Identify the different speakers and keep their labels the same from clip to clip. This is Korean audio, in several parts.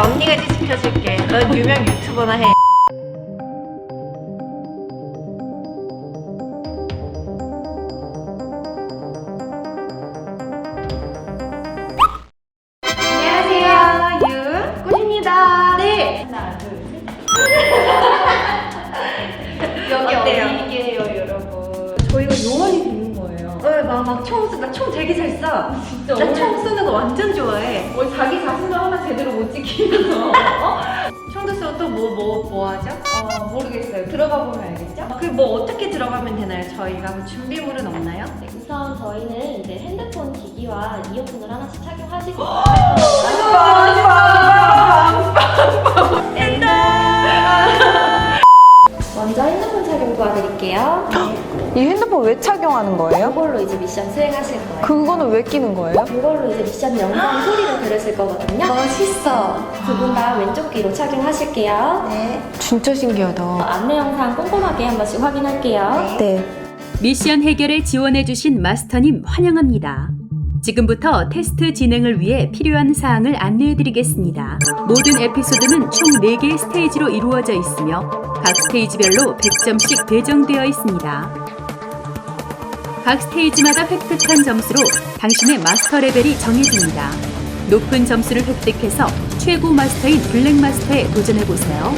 Speaker 1: 언니가 이제 지켜줄게. 넌 유명 유튜버나 해. 안녕하세요, 윤꽃입니다. 네. 하나, 둘, 셋. 여기 어디게요, 여러분? 저희가 요원이 되는 거예요. 막 총 쏘. 나 총 되게 잘 쏴. 진짜. 나 총 쏘는 거 완전 좋아해. 자기 자신도 하나 제대로 못 지키면서. 총도 쏘고 또 뭐 하죠?
Speaker 2: 모르겠어요. 들어가 보면 알겠죠?
Speaker 1: 그 뭐 어떻게 들어가면 되나요? 저희가 뭐 준비물은 없나요?
Speaker 3: 네, 우선 저희는 이제 핸드폰 기기와 이어폰을 하나씩 착용하시고 먼저 핸드폰 착용 도와드릴게요.
Speaker 2: 이 핸드폰 왜 착용하는 거예요?
Speaker 3: 이걸로 이제 미션 수행하실 거예요.
Speaker 2: 그거는 왜 끼는 거예요?
Speaker 3: 이걸로 이제 미션 영상 소리를 들으실 거거든요.
Speaker 1: 멋있어.
Speaker 3: 두 분 다 왼쪽 귀로 착용하실게요.
Speaker 1: 네.
Speaker 2: 진짜 신기하다.
Speaker 3: 안내 영상 꼼꼼하게 한 번씩 확인할게요.
Speaker 2: 네.
Speaker 4: 미션 해결에 지원해주신 마스터님 환영합니다. 지금부터 테스트 진행을 위해 필요한 사항을 안내해드리겠습니다. 모든 에피소드는 총 4개의 스테이지로 이루어져 있으며 각 스테이지별로 100점씩 배정되어 있습니다. 각 스테이지마다 획득한 점수로 당신의 마스터 레벨이 정해집니다. 높은 점수를 획득해서 최고 마스터인 블랙 마스터에 도전해보세요.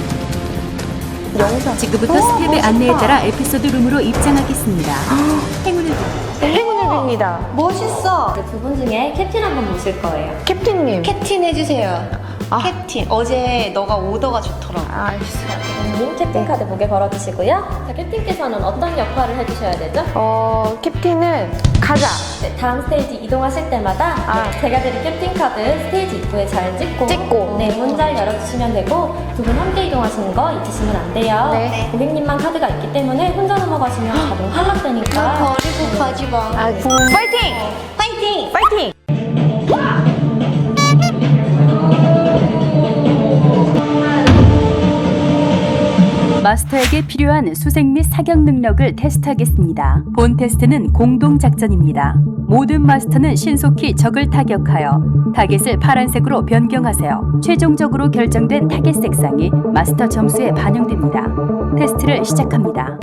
Speaker 4: 지금부터 스텝의 안내에 따라 에피소드 룸으로 입장하겠습니다. 행운을
Speaker 2: 행운을 빕니다.
Speaker 1: 멋있어.
Speaker 3: 두 분 중에 캡틴 한 번 모실 거예요.
Speaker 2: 캡틴님.
Speaker 1: 캡틴 해주세요. 캡틴. 어제 너가 오더가 좋더라고.
Speaker 2: 알겠어요.
Speaker 3: 님 캡틴 카드 목에 걸어주시고요. 자, 캡틴께서는 어떤 역할을 해주셔야 되죠?
Speaker 2: 캡틴은 가자.
Speaker 3: 네, 다음 스테이지 이동하실 때마다 네, 제가 드린 캡틴 카드 스테이지 입구에 잘 찍고 네, 문 잘 열어주시면 되고 두 분 함께 이동하시는 거 잊으시면 안 돼요.
Speaker 2: 네.
Speaker 3: 고객님만 카드가 있기 때문에 혼자 넘어가시면 자동 탈락되니까
Speaker 1: 버리고 가지 마.
Speaker 2: 파이팅!
Speaker 1: 파이팅!
Speaker 2: 파이팅!
Speaker 4: 마스터에게 필요한 수색 및 사격 능력을 테스트하겠습니다. 본 테스트는 공동 작전입니다. 모든 마스터는 신속히 적을 타격하여 타겟을 파란색으로 변경하세요. 최종적으로 결정된 타겟 색상이 마스터 점수에 반영됩니다. 테스트를 시작합니다.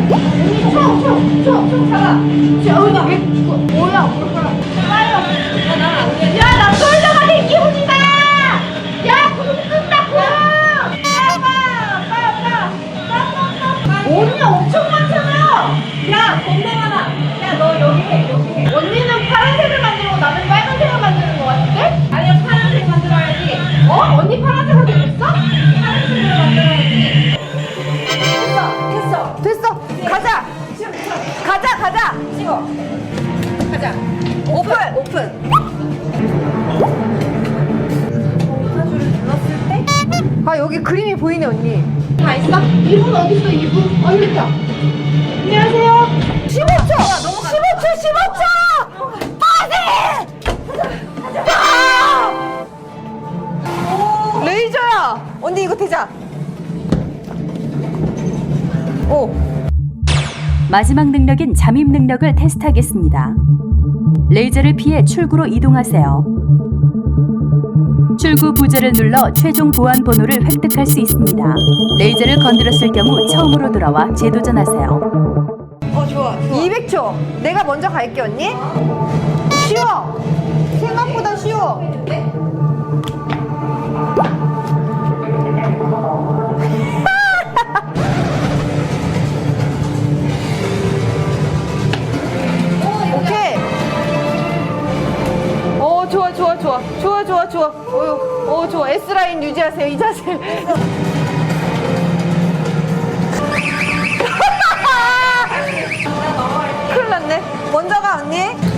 Speaker 1: 야나 쏠려가는 기분이다. 야 구름 끈다고. 언니 엄청 많잖아. 야 겁나 많아. 야 너 여기 해. 언니는 파란색을 만들고 나는 빨간색을 만드는 거 같은데? 아니야 파란색 만들어야지. 언니 파란색을 만들었어? 파란색을 만들어야지.
Speaker 2: 됐어. 가자. 가자.
Speaker 1: 찍어. 가자. 오픈.
Speaker 2: 여기 그림이 보이네, 언니.
Speaker 1: 다 있어? 이분 어딨어 이분? 여기 있다. 안녕하세요.
Speaker 2: 15초! 15초! 빠세! 레이저야! 언니 이거 대자.
Speaker 4: 마지막 능력인 잠입 능력을 테스트하겠습니다. 레이저를 피해 출구로 이동하세요. 출구 부저를 눌러 최종 보안 번호를 획득할 수 있습니다. 레이저를 건드렸을 경우 처음으로 돌아와 재도전하세요.
Speaker 1: 좋아.
Speaker 2: 200초. 내가 먼저 갈게, 언니. 쉬워. 생각보다 쉬워. 오케이. 좋아. 좋아. S라인 유지하세요. 이 자세. 큰일 났네. 먼저 가, 언니.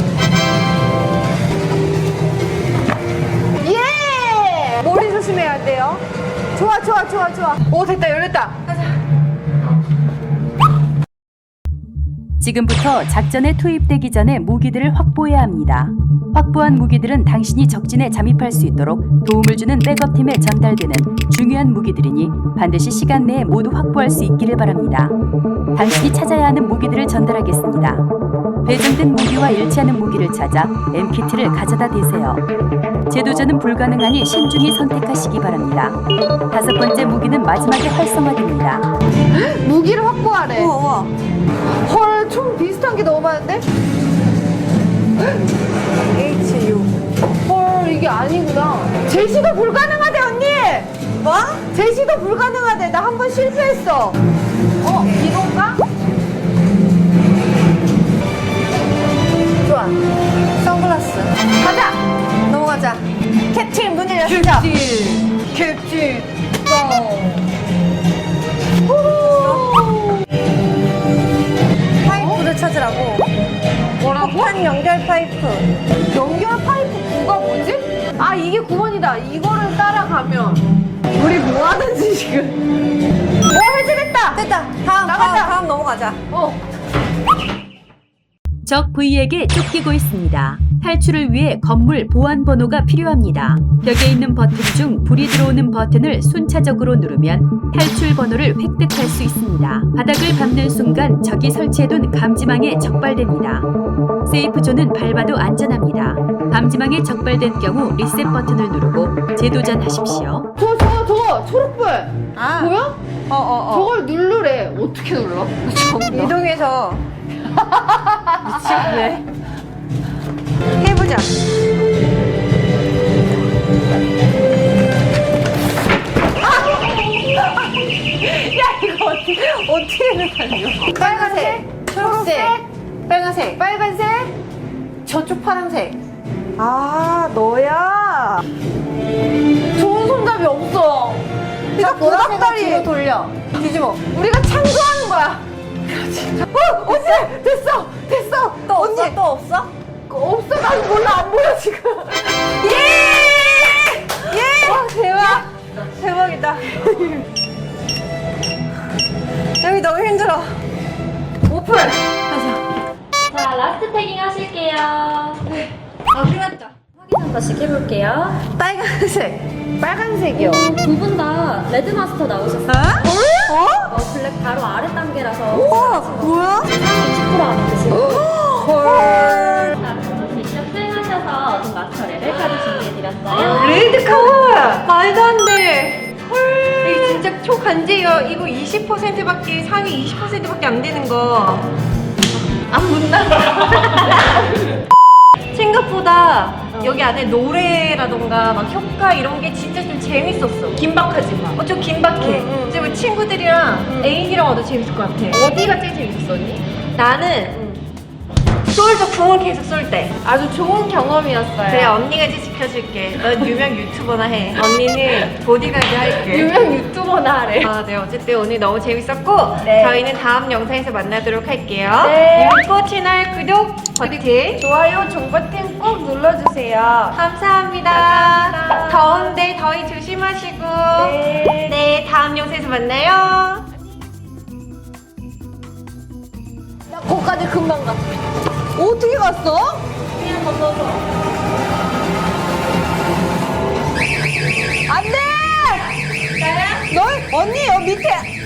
Speaker 2: 예! 머리 조심해야 돼요. 좋아. 오, 됐다. 열렸다.
Speaker 4: 지금부터 작전에 투입되기 전에 무기들을 확보해야 합니다. 확보한 무기들은 당신이 적진에 잠입할 수 있도록 도움을 주는 백업팀에 전달되는 중요한 무기들이니 반드시 시간 내에 모두 확보할 수 있기를 바랍니다. 당신이 찾아야 하는 무기들을 전달하겠습니다. 배정된 무기와 일치하는 무기를 찾아 M키트를 가져다 대세요. 재도전은 불가능하니 신중히 선택하시기 바랍니다. 5번째 무기는 마지막에 활성화됩니다.
Speaker 2: 무기를 확보하래.
Speaker 1: 우와.
Speaker 2: 헐, 총 비슷한 게 너무 많은데? HU. 헐, 이게 아니구나. 제시도 불가능하대, 언니! 뭐? 제시도 불가능하대. 나 한 번 실패했어. 이건가? 좋아. 선글라스. 가자! 넘어가자. 캡틴 문 열렸어. 캡틴. 파이프를 찾으라고. 뭐라고? 폭탄 연결 파이프. 연결 파이프 9가 뭐지? 아, 이게 9번이다. 이거를 따라가면 우리 뭐 하는지 지금. 해제됐다. 됐다. 다음 넘어가자.
Speaker 4: 적 V에게 쫓기고 있습니다. 탈출을 위해 건물 보안 번호가 필요합니다. 벽에 있는 버튼 중 불이 들어오는 버튼을 순차적으로 누르면 탈출 번호를 획득할 수 있습니다. 바닥을 밟는 순간 적이 설치해둔 감지망에 적발됩니다. 세이프 존은 밟아도 안전합니다. 감지망에 적발된 경우 리셋 버튼을 누르고 재도전하십시오.
Speaker 2: 저거 초록불. 보여? 저걸 누르래. 어떻게 눌러?
Speaker 1: 이동해서. 미치겠네. 해보자.
Speaker 2: 이거 어떻게 달려? 빨간색, 초록색, 빨간색, 빨간색, 저쪽 파란색. 아, 너야. 좋은 손잡이 없어. 자, 보닥다리 뒤로 돌려. 뒤집어. 우리가 창조하는 거야. 그렇지. 언니, 됐어. 또 언니. 없어? 또 없어? 없어. 난 몰라. 안 보여 지금. 예! 와, 대박. 대박이다. 여기 너무 힘들어. 오픈! 가자.
Speaker 3: 자, 라스트 태깅 하실게요.
Speaker 2: 끝났다.
Speaker 3: 확인 한 번씩 해볼게요.
Speaker 2: 빨간색이요.
Speaker 3: 두 분 다 레드마스터 나오셨어요. 블랙 바로 아래 단계라서.
Speaker 2: 우와, 뭐야?
Speaker 3: 상위 20% 안에 드시고.
Speaker 2: 헐.
Speaker 3: 자, 그럼 미션 수행하셔서 어떤 마스터 레벨까지 준비해드렸어요.
Speaker 1: 레드카우! 말도 안 돼. 헐. 이거 진짜 초간제예요. 이거 20%밖에, 상위 20%밖에 안 되는 거. 안 문다. 생각보다 여기 안에 노래라던가 막 효과 이런 게 진짜 좀 재밌었어. 긴박하지 마. 좀 긴박해. 이제 뭐 친구들이랑 애인이랑 와도 재밌을 것 같아. 어디가 제일 재밌었니? 나는 쏠 궁을 계속 쏠 때.
Speaker 2: 아주 좋은 경험이었어요.
Speaker 1: 그래, 언니가 이제 지켜줄게. 넌 유명 유튜버나 해. 언니는 보디가드 할게.
Speaker 2: 유명 유튜버나 하래.
Speaker 1: 아, 네. 어쨌든 오늘 너무 재밌었고
Speaker 2: 네.
Speaker 1: 저희는 다음 영상에서 만나도록 할게요.
Speaker 2: 네.
Speaker 1: 유코 채널 구독 버튼
Speaker 2: 좋아요, 종버튼 꼭 눌러주세요.
Speaker 1: 감사합니다. 더운데 더위 조심하시고 네, 다음 영상에서 만나요.
Speaker 2: 거기까지 금방 가. 어떻게 갔어?
Speaker 3: 그냥 건너서.
Speaker 2: 안 돼! 널? 언니, 여기 밑에.